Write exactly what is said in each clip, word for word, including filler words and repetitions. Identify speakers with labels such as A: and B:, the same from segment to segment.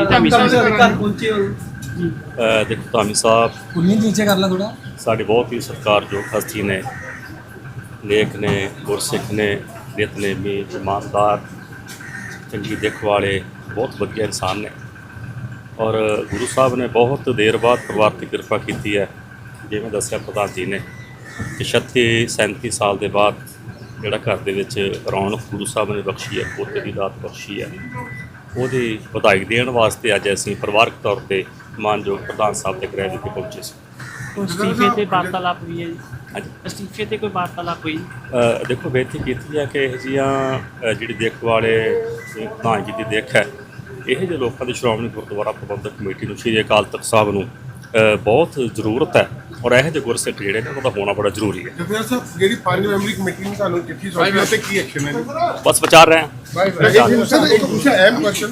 A: ਧਾਮੀ ਸਾਹਿਬ ਘਰ ਪਹੁੰਚੇ ਹੋ ਜੀ।
B: ਦੇਖੋ ਧਾਮੀ ਸਾਹਿਬ
C: ਕੁੰਨੀ ਨੀਚੇ ਕਰ ਲਾ ਥੋੜਾ।
B: ਸਾਡੇ ਬਹੁਤ ਹੀ ਸਤਿਕਾਰਯੋਗ ਹਸਤੀ ਨੇ, ਲੇਖ ਨੇ, ਗੁਰਸਿੱਖ ਨੇ, ਨਿਤਨੇਮੀ, ਇਮਾਨਦਾਰ, ਚੰਗੀ ਦਿੱਖ ਵਾਲੇ, ਬਹੁਤ ਵਧੀਆ ਇਨਸਾਨ ਨੇ। ਔਰ ਗੁਰੂ ਸਾਹਿਬ ਨੇ ਬਹੁਤ ਦੇਰ ਬਾਅਦ ਪਰਿਵਾਰ 'ਤੇ ਕਿਰਪਾ ਕੀਤੀ ਹੈ। ਜਿਵੇਂ ਦੱਸਿਆ ਪ੍ਰਧਾਨ ਜੀ ਨੇ ਕਿ ਛੱਤੀ ਸੈਂਤੀ ਸਾਲ ਦੇ ਬਾਅਦ ਜਿਹੜਾ ਘਰ ਦੇ ਵਿੱਚ ਰੌਣਕ ਗੁਰੂ ਸਾਹਿਬ ਨੇ ਬਖਸ਼ੀ ਹੈ, ਪੋਤੇ ਦੀ ਦਾਤ ਬਖਸ਼ੀ ਹੈ, ਉਹਦੀ ਵਧਾਈ ਦੇਣ ਵਾਸਤੇ ਅੱਜ ਅਸੀਂ ਪਰਿਵਾਰਕ ਤੌਰ 'ਤੇ ਮਾਨਯੋਗ ਪ੍ਰਧਾਨ ਸਾਹਿਬ ਦੇ ਗ੍ਰਹਿ ਵਿਖੇ ਪਹੁੰਚੇ ਸੀ।
A: ਅਸਤੀਫੇ ਤੇ ਵਾਰਤਾਲਾਪ ਹੋਈ ਹੈ ਜੀ।
B: ਹਾਂਜੀ,
A: ਅਸਤੀਫੇ ਤੇ ਕੋਈ ਵਾਰਤਾਲਾਪ ਹੋਈ?
B: ਅ, ਦੇਖੋ ਬੇਨਤੀ ਕੀਤੀ ਹੈ ਕਿ ਇਹੋ ਜਿਹੀਆਂ ਜਿਹੜੀ ਦਿੱਖ ਵਾਲੇ ਪ੍ਰਧਾਨ ਜੀ ਦੀ ਦਿੱਖ ਹੈ, ਇਹੋ ਜਿਹੇ ਲੋਕਾਂ ਦੀ ਸ਼੍ਰੋਮਣੀ ਗੁਰਦੁਆਰਾ ਪ੍ਰਬੰਧਕ ਕਮੇਟੀ ਨੂੰ, ਸ਼੍ਰੀ ਅਕਾਲ ਤਖਤ ਸਾਹਿਬ ਨੂੰ ਅ, ਬਹੁਤ ਜ਼ਰੂਰਤ ਹੈ। ਔਰ ਇਹੋ ਜਿਹੇ ਗੁਰਸਿੱਖ ਜਿਹੜੇ ਨੇ ਉਹਨਾਂ ਦਾ ਹੋਣਾ ਬੜਾ ਜ਼ਰੂਰੀ ਹੈ।
D: ਜਥੇਦਾਰ ਸਾਹਿਬ, ਜਿਹੜੀ ਪੰਜ ਮੈਂਬਰੀ ਕਮੇਟੀ ਨੇ ਤੁਹਾਨੂੰ ਚਿੱਠੀ ਸੌਂਪੀ ਹੈ ਤੇ ਕੀ ਐਕਸ਼ਨ ਹੈ?
B: ਬਸ ਵਿਚਾਰ ਰਹੇ ਹਾਂ।
D: ਸਰ ਇੱਕ ਪੁੱਛਿਆ ਅਹਿਮ ਕੁਐਸਚਨ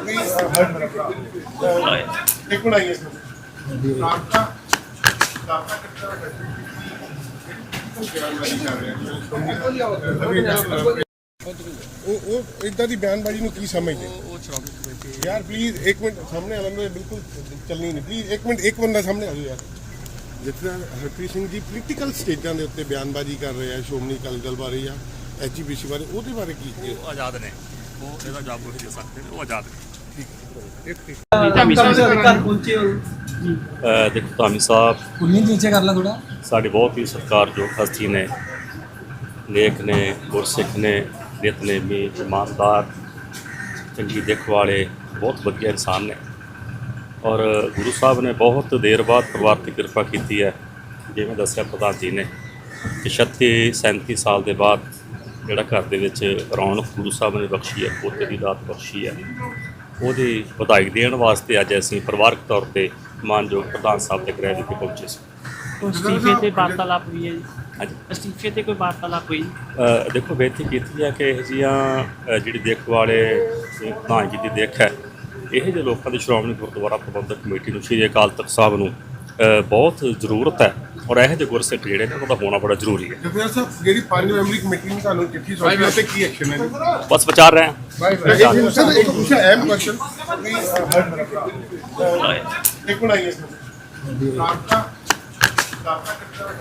D: ਇੱਕ ਮਿੰਟ ਆਈਏ ਸਰ। ਰਾਬਤਾ ਰਾਬਤਾ ਕਿੱਥੇ ਦਾ ਉਹ ਉਹ ਇਦਾਂ ਦੀ ਬਿਆਨਬਾਜ਼ੀ ਨੂੰ ਕੀ ਸਮਝਦੇ? ਯਾਰ ਪਲੀਜ਼ ਇੱਕ ਮਿੰਟ ਸਾਹਮਣੇ ਆ ਲੈਂਦੇ, ਬਿਲਕੁਲ ਚੱਲਣੀ ਨਹੀਂ। ਪਲੀਜ਼ ਇੱਕ ਮਿੰਟ, ਇੱਕ ਬੰਦਾ ਸਾਹਮਣੇ ਆ ਜਾਓ ਯਾਰ। ਜਿੱਥੇ ਹਰਪ੍ਰੀਤ ਸਿੰਘ ਜੀ ਪੋਲੀਟੀਕਲ ਸਟੇਜਾਂ ਦੇ ਉੱਤੇ ਬਿਆਨਬਾਜ਼ੀ ਕਰ ਰਹੇ ਆ ਸ਼੍ਰੋਮਣੀ ਅਕਾਲੀ ਦਲ ਬਾਰੇ ਜਾਂ ਐਚ ਈ ਪੀ ਸੀ ਬਾਰੇ, ਉਹਦੇ ਬਾਰੇ ਕੀ?
B: ਉਹ ਆਜ਼ਾਦ ਨੇ, ਉਹ ਇਹਦਾ ਜਵਾਬ ਉਹੀ ਦੇ ਸਕਦੇ ਨੇ, ਉਹ ਆਜ਼ਾਦ ਨੇ।
D: ਠੀਕ
A: ਧਾਮੀ ਸਾਹਿਬ ਘਰ ਪਹੁੰਚੇ ਹੋ ਜੀ।
B: ਅ, ਦੇਖੋ ਧਾਮੀ ਸਾਹਿਬ
C: ਕੁੰਨੀ ਨੀਚੇ ਕਰ ਲਾ ਥੋੜਾ।
B: ਸਾਡੇ ਬਹੁਤ ਹੀ ਸਤਿਕਾਰਯੋਗ ਹਸਤੀ ਨੇ, ਲੇਖ ਨੇ, ਗੁਰਸਿੱਖ ਨੇ, ਨਿਤਨੇਮੀ, ਇਮਾਨਦਾਰ, ਚੰਗੀ ਦਿੱਖ ਵਾਲੇ, ਬਹੁਤ ਵਧੀਆ ਇਨਸਾਨ ਨੇ। ਔਰ ਗੁਰੂ ਸਾਹਿਬ ਨੇ ਬਹੁਤ ਦੇਰ ਬਾਅਦ ਪਰਿਵਾਰ 'ਤੇ ਕਿਰਪਾ ਕੀਤੀ ਹੈ। ਜਿਵੇਂ ਦੱਸਿਆ ਪ੍ਰਧਾਨ ਜੀ ਨੇ ਕਿ ਛੱਤੀ ਸੈਂਤੀ ਸਾਲ ਦੇ ਬਾਅਦ ਜਿਹੜਾ ਘਰ ਦੇ ਵਿੱਚ ਰੌਣਕ ਗੁਰੂ ਸਾਹਿਬ ਨੇ ਬਖਸ਼ੀ ਹੈ, ਪੋਤੇ ਦੀ ਦਾਤ ਬਖਸ਼ੀ ਹੈ, ਉਹਦੀ ਵਧਾਈ ਦੇਣ ਵਾਸਤੇ ਅੱਜ ਅਸੀਂ ਪਰਿਵਾਰਕ ਤੌਰ 'ਤੇ ਮਾਨਯੋਗ ਪ੍ਰਧਾਨ ਸਾਹਿਬ ਦੇ ਗ੍ਰਹਿ ਵਿਖੇ ਪਹੁੰਚੇ ਸੀ।
A: ਅਸਤੀਫੇ ਤੇ ਵਾਰਤਾਲਾਪ ਹੋਈ ਹੈ ਜੀ।
B: ਹਾਂਜੀ,
A: ਅਸਤੀਫੇ ਤੇ ਕੋਈ ਵਾਰਤਾਲਾਪ ਹੋਈ?
B: ਅ, ਦੇਖੋ ਬੇਨਤੀ ਕੀਤੀ ਹੈ ਕਿ ਇਹੋ ਜਿਹੀਆਂ ਜਿਹੜੀ ਦਿੱਖ ਵਾਲੇ ਪ੍ਰਧਾਨ ਜੀ ਦੀ ਦਿੱਖ ਹੈ, ਇਹੋ ਜਿਹੇ ਲੋਕਾਂ ਦੀ ਸ਼੍ਰੋਮਣੀ ਗੁਰਦੁਆਰਾ ਪ੍ਰਬੰਧਕ ਕਮੇਟੀ ਨੂੰ, ਸ਼੍ਰੀ ਅਕਾਲ ਤਖਤ ਸਾਹਿਬ ਨੂੰ ਅ, ਬਹੁਤ ਜ਼ਰੂਰਤ ਹੈ। ਔਰ ਇਹੋ ਜਿਹੇ ਗੁਰਸਿੱਖ ਜਿਹੜੇ ਨੇ ਉਹਨਾਂ ਦਾ ਹੋਣਾ ਬੜਾ ਜ਼ਰੂਰੀ ਹੈ।
D: ਜਥੇਦਾਰ ਸਾਹਿਬ, ਜਿਹੜੀ ਪੰਜ ਮੈਂਬਰੀ ਕਮੇਟੀ ਨੇ ਤੁਹਾਨੂੰ ਚਿੱਠੀ ਸੌਂਪੀ ਹੈ ਤੇ ਕੀ ਐਕਸ਼ਨ ਹੈ?
B: ਬਸ ਵਿਚਾਰ ਰਹੇ ਹਾਂ।
D: ਸਰ ਇੱਕ ਪੁੱਛਿਆ ਅਹਿਮ ਕੁਐਸਚਨ ਇੱਕ ਮਿੰਟ ਆਈਏ ਸਰ। ਰਾਬਤਾ ਰਾਬਤਾ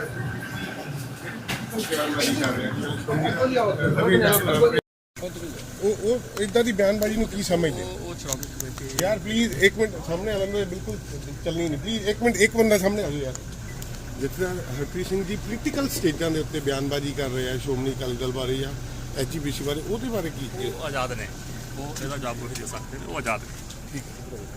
D: ਉਹ ਉਹ ਇਦਾਂ ਦੀ ਬਿਆਨਬਾਜ਼ੀ ਨੂੰ ਕੀ ਸਮਝਦੇ? ਯਾਰ ਪਲੀਜ਼ ਇੱਕ ਮਿੰਟ ਸਾਹਮਣੇ ਆ ਲੈਂਦੇ, ਬਿਲਕੁਲ ਚੱਲਣੀ ਨਹੀਂ। ਪਲੀਜ਼ ਇੱਕ ਮਿੰਟ, ਇੱਕ ਬੰਦਾ ਸਾਹਮਣੇ ਆ ਜਾਓ ਯਾਰ। ਜਿੱਥੇ ਹਰਪ੍ਰੀਤ ਸਿੰਘ ਜੀ ਪੋਲੀਟੀਕਲ ਸਟੇਜਾਂ ਦੇ ਉੱਤੇ ਬਿਆਨਬਾਜ਼ੀ ਕਰ ਰਹੇ ਆ ਸ਼੍ਰੋਮਣੀ ਅਕਾਲੀ ਦਲ ਬਾਰੇ ਜਾਂ ਐਚ ਈ ਪੀ ਸੀ ਬਾਰੇ, ਉਹਦੇ ਬਾਰੇ ਕੀ?
B: ਉਹ ਆਜ਼ਾਦ ਨੇ, ਉਹ ਇਹਦਾ ਜਵਾਬ ਉਹੀ ਦੇ ਸਕਦੇ ਨੇ, ਉਹ ਆਜ਼ਾਦ ਨੇ।
D: ਠੀਕ